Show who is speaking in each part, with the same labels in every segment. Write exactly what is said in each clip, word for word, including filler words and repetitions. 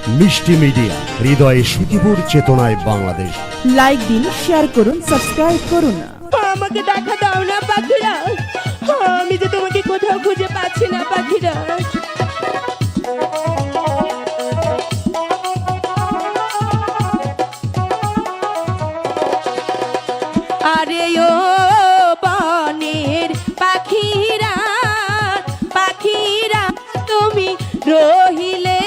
Speaker 1: মিষ্টি মিডিয়া, হৃদয়ে সুখীপুর, চেতনায় বাংলাদেশ।
Speaker 2: লাইক দিন, শেয়ার করুন, সাবস্ক্রাইব করুন।
Speaker 3: আমাকে দেখা দাও না পাখিরা, আমি যে তোমাকে কোথাও খুঁজে পাচ্ছি না পাখিরা। আরে ও বনের পাখিরা, পাখিরা তুমি রহিলে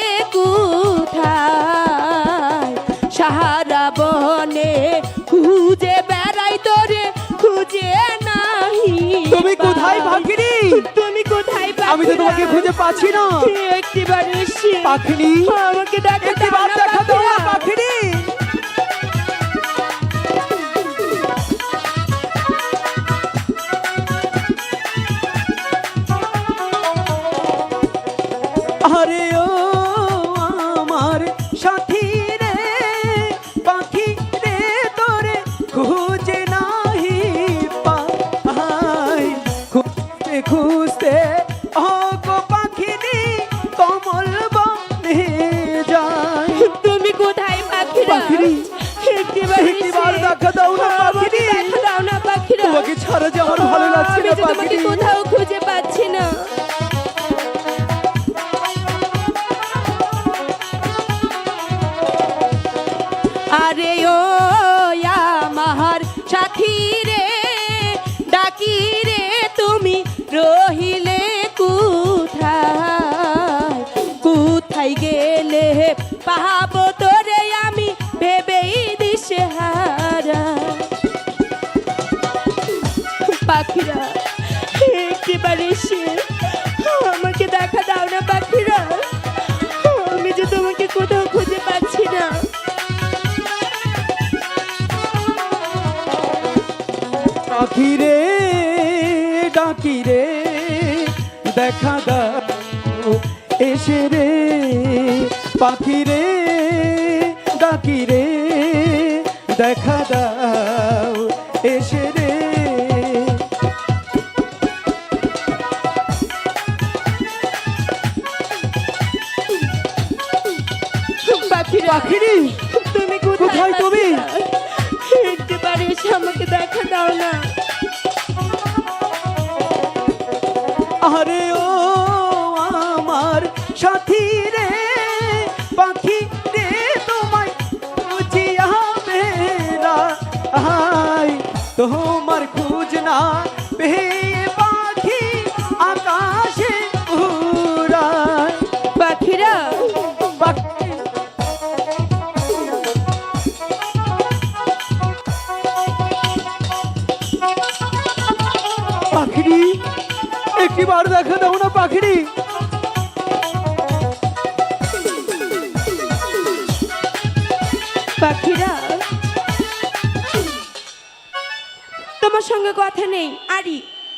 Speaker 3: কোথায়? সাহারা বনে খুঁজে বেড়াই তোরে খুঁজে নাহি।
Speaker 4: তুমি কোথায় পাখিনি?
Speaker 3: তুমি কোথায় পাখিরা?
Speaker 4: আমি তো তোমাকে খুঁজে পাচ্ছি না।
Speaker 3: একটিবার এসে
Speaker 4: পাখিনি,
Speaker 3: আমাকে দেখা
Speaker 4: একটিবার
Speaker 3: দাও না
Speaker 4: দেখা দাও না
Speaker 3: পাখিরা।
Speaker 4: পাখিনি। আরে ও আমার সাথী রে, পাখি রে তোরে খুঁজে নাহি পাই। খুঁজতে খুঁজতে ও গো পাখিনি কমল বনে যায়।
Speaker 3: তুমি কোথায় পাখিরা?
Speaker 4: পাখিনি,
Speaker 3: একটিবার
Speaker 4: একটিবার
Speaker 3: এসে
Speaker 4: দেখা দাও না
Speaker 3: আমাকে
Speaker 4: পাখিনি।
Speaker 3: দেখা দাও না পাখিরা।
Speaker 4: তোমাকে ছাড়া যে আমার ভালো লাগছে
Speaker 3: আমি
Speaker 4: না
Speaker 3: যে তোমাকে
Speaker 4: পাখিনি।
Speaker 3: কোথাও খুঁজে পাচ্ছি না। আরে ও আমার সাথী রে, ডাকি রে তুমি রহিলে কোথায়? কোথায় গেলে পাবো তোরে আমি ভেবেই দিশেহারা। পাখিরা একটিবার এসে আমাকে দেখা দাও না পাখিরা, আমি যে তোমাকে কোথাও খুঁজে পাচ্ছি না।
Speaker 4: পাখি রে ডাকি রে দেখা দাও এসে রে। পাখি রে ডাকি রে দেখা দাও এসে রে।
Speaker 3: পাখিরা
Speaker 4: পাখিরি,
Speaker 3: তুমি
Speaker 4: কোথায় তুমি?
Speaker 3: একটিবার এসে আমাকে দেখা দাও না।
Speaker 4: আরে ও আমার সাথী রে, পাখি রে তোমায় খুঁজিয়া মেরা আই। তোমার খুঁজ না পেয়ে পাখি আকাশে উড়ায়।
Speaker 3: পাখিরা
Speaker 4: পাখি, পাখিরি, একটিবার দেখা দাও না পাখিরি।
Speaker 3: পাখিরা তোমার সঙ্গে কথা নেই। আরি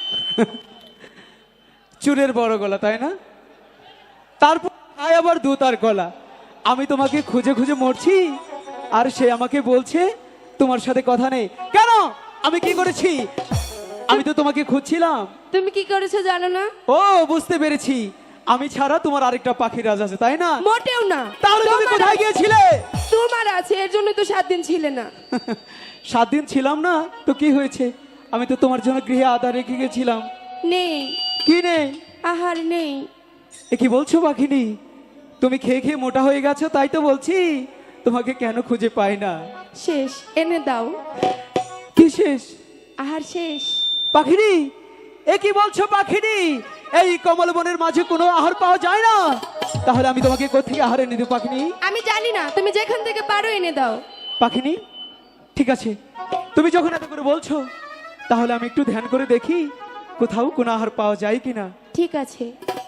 Speaker 4: চুলের বড় গলা তাই না? তারপর তাই আবার দু তার গলা। আমি তোমাকে খুঁজে খুঁজে মরছি, আর সে আমাকে বলছে তোমার সাথে কথা নেই। কেন? আমি কি করেছি? আমি তো তোমাকে খুঁজছিলাম।
Speaker 3: তুমি কি করেছো জানো না?
Speaker 4: ও বুঝতে পেরেছি, আমি ছাড়া তোমার আরেকটা পাখি রাজ আছে তাই না?
Speaker 3: মোটেও না।
Speaker 4: তাহলে তুমি
Speaker 3: তোমার
Speaker 4: কোথায়
Speaker 3: আছে-
Speaker 4: গিয়েছিলে?
Speaker 3: তোমার আছে, এর জন্য তো সাত দিন ছিলে না।
Speaker 4: সাত দিন ছিলাম না তো কি হয়েছে? আমি তো তোমার জন্য গৃহে আদা রেখে গেছিলাম।
Speaker 3: নেই,
Speaker 4: কি নেই?
Speaker 3: আহার নেই।
Speaker 4: এ কি বলছো পাখিনি? তুমি খেয়ে খেয়ে মোটা হয়ে গেছো তাই তো বলছি তোমাকে কেন খুঁজে পাই না।
Speaker 3: শেষ, এনে দাও।
Speaker 4: কি শেষ?
Speaker 3: আহার শেষ।
Speaker 4: পাখিনি, এ কি বলছো পাখিনি? এই কমল বনের মাঝে কোনো আহার পাওয়া যায় না? তাহলে আমি তোমাকে কোথেকে আহার এনে দেব পাখিনি?
Speaker 3: আমি জানি না, তুমি যেখান থেকে পারো এনে দাও।
Speaker 4: পাখিনি, ঠিক আছে, তুমি যখন এত করে বলছো তাহলে আমি একটু ধ্যান করে দেখি কোথাও কোনো আহার পাওয়া যায় কিনা।
Speaker 3: ঠিক আছে।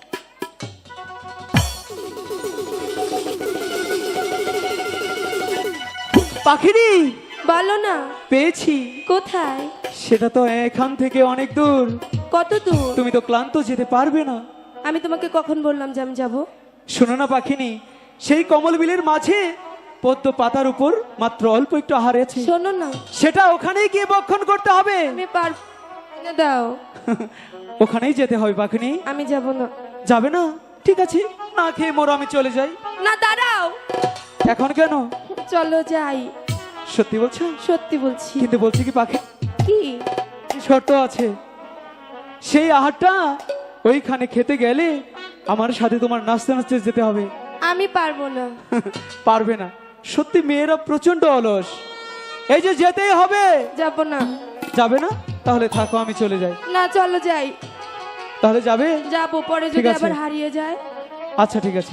Speaker 4: পাখিনি,
Speaker 3: বলো না,
Speaker 4: পেয়েছি।
Speaker 3: কোথায়?
Speaker 4: সেটা তো এখান থেকে অনেক দূর।
Speaker 3: কত দূর?
Speaker 4: তুমি তো ক্লান্ত, যেতে পারবে না।
Speaker 3: আমি তোমাকে কখন বললাম যে আমি যাবো?
Speaker 4: শোনো না পাখিনি, সেই কমল বিলের মাঝে পদ্ম পাতার উপর মাত্র অল্প একটু আহার আছে,
Speaker 3: শোনো না,
Speaker 4: সেটা ওখানেই গিয়ে ভক্ষণ করতে হবে।
Speaker 3: আমি পারবো না, দাও।
Speaker 4: ওখানেই যেতে হবে পাখিনি।
Speaker 3: আমি যাব না।
Speaker 4: যাবে না? ঠিক আছে, না খেয়ে মোর আমি চলে যাই।
Speaker 3: না, দাঁড়াও।
Speaker 4: এখন কেন?
Speaker 3: চলো যাই।
Speaker 4: সত্যি বলছো?
Speaker 3: সত্যি বলছি।
Speaker 4: কিন্তু বলছি কি পাখি,
Speaker 3: কি?
Speaker 4: শর্ত আছে। সেই আহারটা ওইখানে খেতে গেলে আমার সাথে তোমার নাচতে নাচতে যেতে হবে।
Speaker 3: আমি পারবো না।
Speaker 4: পারবে না? সত্যি মেয়েরা প্রচন্ড অলস। এই যে যেতেই হবে।
Speaker 3: যাব না।
Speaker 4: যাবে না? তাহলে থাকো, আমি চলে যাই।
Speaker 3: না চলো যাই।
Speaker 4: তাহলে যাবে?
Speaker 3: যাবো, পরে
Speaker 4: ঠিক
Speaker 3: যদি
Speaker 4: আছে।
Speaker 3: আবার হারিয়ে যায়।
Speaker 4: আচ্ছা ঠিক আছে।